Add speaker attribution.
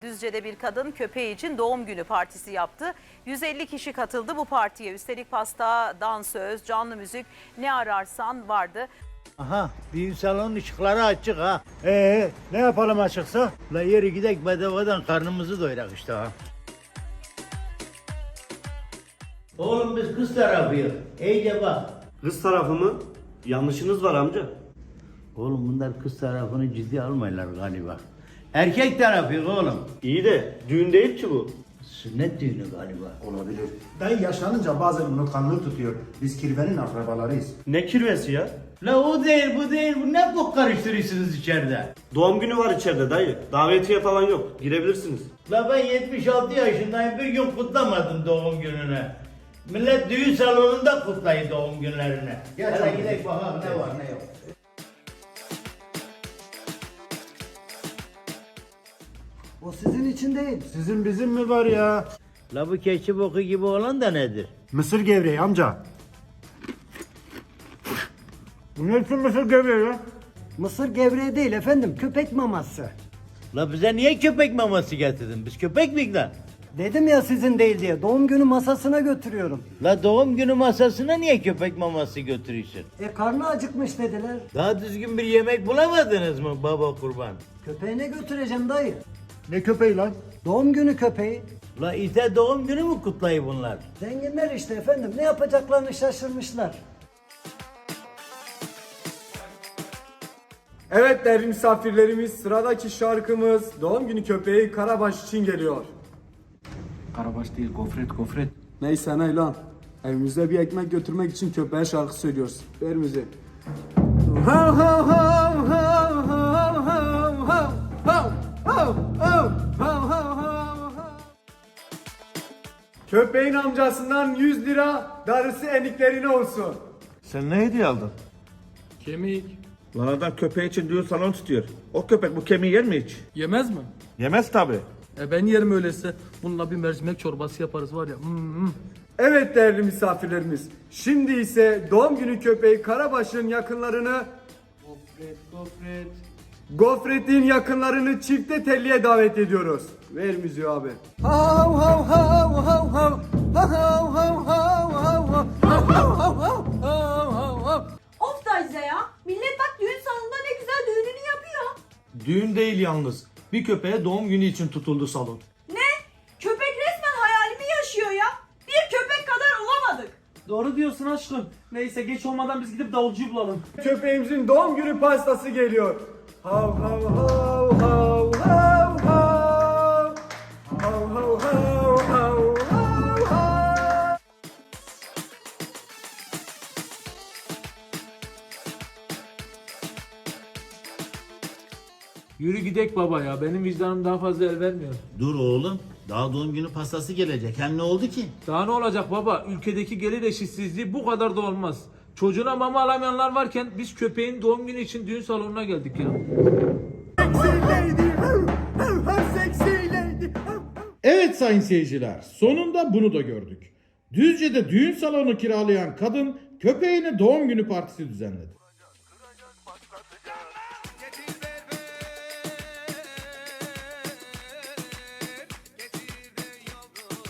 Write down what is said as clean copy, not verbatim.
Speaker 1: Düzce'de bir kadın köpeği için doğum günü partisi yaptı. 150 kişi katıldı bu partiye. Üstelik pasta, dansöz, canlı müzik ne ararsan vardı.
Speaker 2: Aha, düğün salonun ışıkları açık ha. Ne yapalım açıksa? La yeri gidek bedavadan karnımızı doyurak işte ha. Oğlum biz kız tarafıyız. İyice bak.
Speaker 3: Kız tarafı mı? Yanlışınız var amca.
Speaker 2: Oğlum bunlar kız tarafını ciddi almayırlar galiba. Erkek tarafıyız oğlum.
Speaker 3: İyi de düğün değil ki bu.
Speaker 2: Sünnet düğünü galiba.
Speaker 4: Olabilir. Dayı yaşlanınca bazen unutkanlığı tutuyor. Biz kirvenin akrabalarıyız.
Speaker 3: Ne kirvesi ya?
Speaker 2: La o değil bu değil bu ne bok karıştırıyorsunuz içeride?
Speaker 3: Doğum günü var içeride dayı. Davetiye falan yok. Girebilirsiniz.
Speaker 2: La ben 76 yaşındayım bir gün kutlamadım doğum gününü. Millet düğün salonunda kutlayın doğum günlerini.
Speaker 4: Gel
Speaker 2: Hadi
Speaker 4: canım.
Speaker 2: gidelim bakalım ne var ne yok.
Speaker 5: O sizin için değil.
Speaker 4: Sizin bizim mi var ya?
Speaker 2: La bu keçi boku gibi olan da nedir?
Speaker 4: Mısır gevreği amca. Bu ne için mısır gevreği ya?
Speaker 5: Mısır gevreği değil efendim, köpek maması.
Speaker 2: La bize niye köpek maması getirdin? Biz köpek miyiz lan?
Speaker 5: Dedim ya sizin değil diye, doğum günü masasına götürüyorum.
Speaker 2: La doğum günü masasına niye köpek maması götürüyorsun?
Speaker 5: Karnı acıkmış dediler.
Speaker 2: Daha düzgün bir yemek bulamadınız mı baba kurban?
Speaker 5: Köpeğine götüreceğim dayı.
Speaker 4: Ne köpeği lan?
Speaker 5: Doğum günü köpeği.
Speaker 2: La ite doğum günü mü kutlayı bunlar?
Speaker 5: Zenginler işte efendim, ne yapacaklarını şaşırmışlar.
Speaker 6: Evet değerli misafirlerimiz, sıradaki şarkımız doğum günü köpeği Karabaş için geliyor.
Speaker 7: Karabaş değil, gofret.
Speaker 6: Neyse ne lan. Evimize bir ekmek götürmek için köpeğe şarkı söylüyoruz. Ver müziği. Hav hav hav hav hav hav hav hav hav hav hav hav hav. Köpeğin amcasından 100 lira, darısı eniklerine olsun.
Speaker 8: Sen ne hediye aldın?
Speaker 7: Kemik.
Speaker 8: Lan adam köpeği için düğün salonu tutuyor. O köpek bu kemiği yer mi hiç?
Speaker 7: Yemez mi?
Speaker 8: Yemez tabi.
Speaker 7: Ben yerim öyleyse. Bununla bir mercimek çorbası yaparız var ya.
Speaker 6: Evet değerli misafirlerimiz. Şimdi ise doğum günü köpeği Karabaş'ın yakınlarını Gofret'in yakınlarını çifte telliye davet ediyoruz. Ver müziği abi. Hav hav hav hav hav hav hav hav hav hav.
Speaker 9: Of Dajda ya. Millet bak düğün salonunda ne güzel düğününü yapıyor.
Speaker 3: Düğün değil yalnız. Bir köpeğe doğum günü için tutuldu salon.
Speaker 9: Ne? Köpek resmen hayalimi yaşıyor ya. Bir köpek kadar olamadık.
Speaker 3: Doğru diyorsun aşkım. Neyse geç olmadan biz gidip davulcuyu bulalım.
Speaker 6: Köpeğimizin doğum günü pastası geliyor. Hav hav hav hav hav hav. Hav hav hav hav hav hav.
Speaker 7: Yürü gidek baba ya. Benim vicdanım daha fazla el vermiyor.
Speaker 2: Dur oğlum. Daha doğum günü pastası gelecek. Hem ne oldu ki?
Speaker 7: Daha ne olacak baba? Ülkedeki gelir eşitsizliği bu kadar da olmaz. Çocuğuna mama alamayanlar varken biz köpeğin doğum günü için düğün salonuna geldik ya.
Speaker 10: Evet sayın seyirciler, sonunda bunu da gördük. Düzce'de düğün salonu kiralayan kadın köpeğine doğum günü partisi düzenledi.